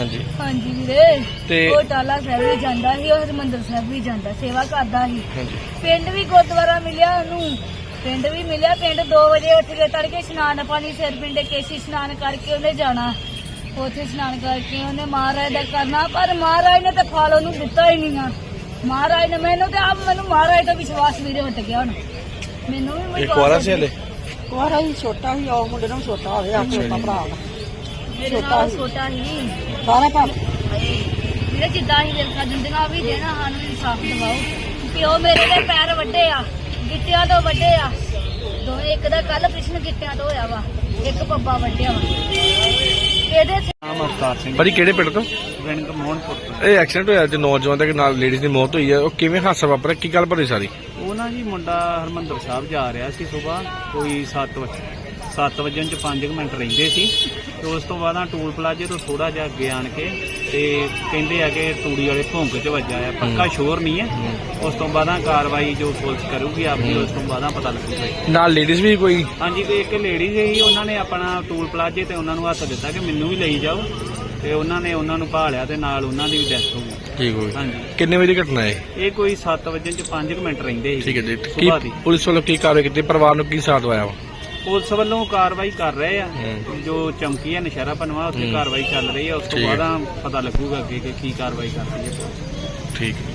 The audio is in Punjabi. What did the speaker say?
ਹਾਂਜੀ ਹਾਂਜੀ ਵੀਰੇ ਤੇ ਉਹ ਟਾਲਾ ਸਾਹਿਬ ਵੀ ਜਾਂਦਾ ਸੀ, ਉਹ ਹਰਿਮੰਦਰ ਸਾਹਿਬ ਵੀ ਜਾਂਦਾ, ਸੇਵਾ ਕਰਦਾ ਸੀ। ਹਾਂਜੀ ਪਿੰਡ ਵੀ ਗੁਰਦੁਆਰਾ ਮਿਲਿਆ ਉਹਨੂੰ, ਪਿੰਡ ਵੀ ਮਿਲਿਆ। ਪਿੰਡ 2 ਵਜੇ ਉੱਠ ਕੇ ਤੜਕੇ ਇਸ਼ਨਾਨ ਪਾਣੀ ਸਿਰ ਪਿੰਡੇ ਕੇਸੀ ਇਸ਼ਨਾਨ ਕਰਕੇ ਉਹਨੇ ਜਾਣਾ, ਉੱਥੇ ਇਸ਼ਨਾਨ ਕਰਕੇ ਉਹਨੇ ਮਹਾਰਾਜ ਦਾ ਕਰਨਾ। ਪਰ ਮਹਾਰਾਜ ਨੇ ਤਾਂ ਫਲ ਉਹਨੂੰ ਦਿੱਤਾ ਹੀ ਨਹੀਂ ਆ। ਮਹਾਰਾਜ ਨੇ ਮੈਨੂੰ ਮਹਾਰਾਜ ਦਾ ਵਿਸ਼ਵਾਸ ਵੀਰੇ ਹਟ ਗਿਆ। ਹੁਣ ਮੈਨੂੰ ਵੀ ਇੱਕ ਵਾਰਾ ਸੀ ਹਲੇ ਕੁਆਰਾ ਹੀ ਛੋਟਾ ਸੀ, ਉਹ ਮੁੰਡੇ ਨੂੰ ਛੋਟਾ ਹੋਵੇ ਆ ਛੋਟਾ ਭਰਾ ਵਾ। ਮੇਰੇ ਨਾਲ ਛੋਟਾ ਸੀ ਸਾਰਾ ਕੰਮ ਵੀਰੇ, ਜਿੱਦਾਂ ਹੀ ਦਿਲਕਾ ਦਿੰਦੀਆਂ ਵੀ ਦੇਣਾ, ਸਾਨੂੰ ਇਨਸਾਫ ਦਿਵਾਓ। ਪਿਓ ਮੇਰੇ ਦੇ ਪੈਰ ਵੱਡੇ ਆ, ਗਿੱਟਿਆਂ ਤੋਂ ਵੱਡੇ ਆ ਦੋਵੇਂ। ਇੱਕ ਦਾ ਕੱਲ ਕ੍ਰਿਸ਼ਨ ਗਿੱਟਿਆਂ ਤੋਂ ਹੋਇਆ ਵਾ, ਇੱਕ ਪੱਬਾ ਵੱਡਿਆ ਵਾ। ਇਹਦੇ ਨਾਮ ਅਵਤਾਰ ਸਿੰਘ, ਭਾਜੀ ਕਿਹੜੇ ਪਿੰਡ ਤੋਂ? ਪਿੰਡ ਮੋਹਨਪੁਰ ਤੋਂ। ਇਹ ਐਕਸੀਡੈਂਟ ਹੋਇਆ ਤੇ ਨੌਜਵਾਨ ਦੇ ਨਾਲ ਲੇਡੀਜ਼ ਦੀ ਮੌਤ ਹੋਈ ਹੈ, ਉਹ ਕਿਵੇਂ ਹਾਦਸਾ ਵਾਪਰਿਆ, ਕੀ ਗੱਲ ਭਰੀ ਸਾਰੀ? ਉਹ ਨਾ ਜੀ ਮੁੰਡਾ ਹਰਮੰਦਰ ਸਾਹਿਬ ਜਾ ਰਿਹਾ ਸੀ ਸੁਬਾਹ ਕੋਈ 7 ਵਜੇ ਚ 5 ਮਿੰਟ ਰਹਿੰਦੇ ਸੀ। ਤੇ ਉਸ ਤੋਂ ਬਾਅਦ ਟੂਲ ਪਲਾਜੇ ਤੋਂ ਥੋੜਾ ਜਿਹਾ ਅੱਗੇ ਆਣ ਕੇ ਤੇ ਕਹਿੰਦੇ ਆ ਕਿ ਤੂੜੀ ਵਾਲੇ ਭੌਂਕ ਚ ਵੱਜਾ ਆ, ਪੱਕਾ ਸ਼ੋਰ ਨਹੀਂ ਹੈ। ਉਸ ਤੋਂ ਬਾਅਦ ਕਾਰਵਾਈ ਜੋ ਪੁਲਿਸ ਕਰੂਗੀ ਆਪਣੀ, ਉਸ ਤੋਂ ਬਾਅਦ ਪਤਾ ਲੱਗੂਗਾ। ਨਾਲ ਲੇਡੀਜ਼ ਵੀ ਕੋਈ? ਹਾਂਜੀ, ਕੋਈ ਇੱਕ ਲੇਡੀ ਸੀ, ਉਹਨਾਂ ਨੇ ਆਪਣਾ ਟੂਲ ਪਲਾਜੇ ਤੇ ਉਹਨਾਂ ਨੂੰ ਹੱਥ ਦਿੱਤਾ ਕਿ ਮੈਨੂੰ ਵੀ ਲਈ ਜਾਓ, ਤੇ ਉਹਨਾਂ ਨੇ ਉਹਨਾਂ ਨੂੰ ਭਾਲਿਆ ਤੇ ਨਾਲ ਉਹਨਾਂ ਦੀ ਵੀ ਡੈਥ ਹੋ ਗਈ। ਠੀਕ ਹੋਈ। ਹਾਂਜੀ, ਕਿੰਨੇ ਵਜੇ ਦੀ ਘਟਨਾ ਹੈ? ਇਹ ਕੋਈ 7 ਵਜੇ ਚ 5 ਮਿੰਟ ਰਹਿੰਦੇ ਸੀ। ਠੀਕ ਹੈ ਜੀ। ਸੁਬਾਹ ਦੀ ਪੁਲਿਸ ਵੱਲੋਂ ਕੀ ਕਾਰਵਾਈ ਕੀਤੀ, ਪਰਿਵਾਰ ਨੂੰ ਕੀ ਸਾਥ ਆਇਆ ਵਾ? ਪੁਲਿਸ ਵੱਲੋਂ ਕਾਰਵਾਈ ਕਰ ਰਹੇ ਆ, ਜੋ ਚੌਂਕੀ ਹੈ ਨਸ਼ਹਿਰਾ ਪਨਵਾ ਉੱਥੇ ਕਾਰਵਾਈ ਚੱਲ ਰਹੀ ਹੈ। ਉਸ ਤੋਂ ਬਾਅਦ ਪਤਾ ਲੱਗੂਗਾ ਅੱਗੇ ਕਿ ਕੀ ਕਾਰਵਾਈ ਕਰਦੀ ਹੈ ਪੁਲਿਸ। ਠੀਕ।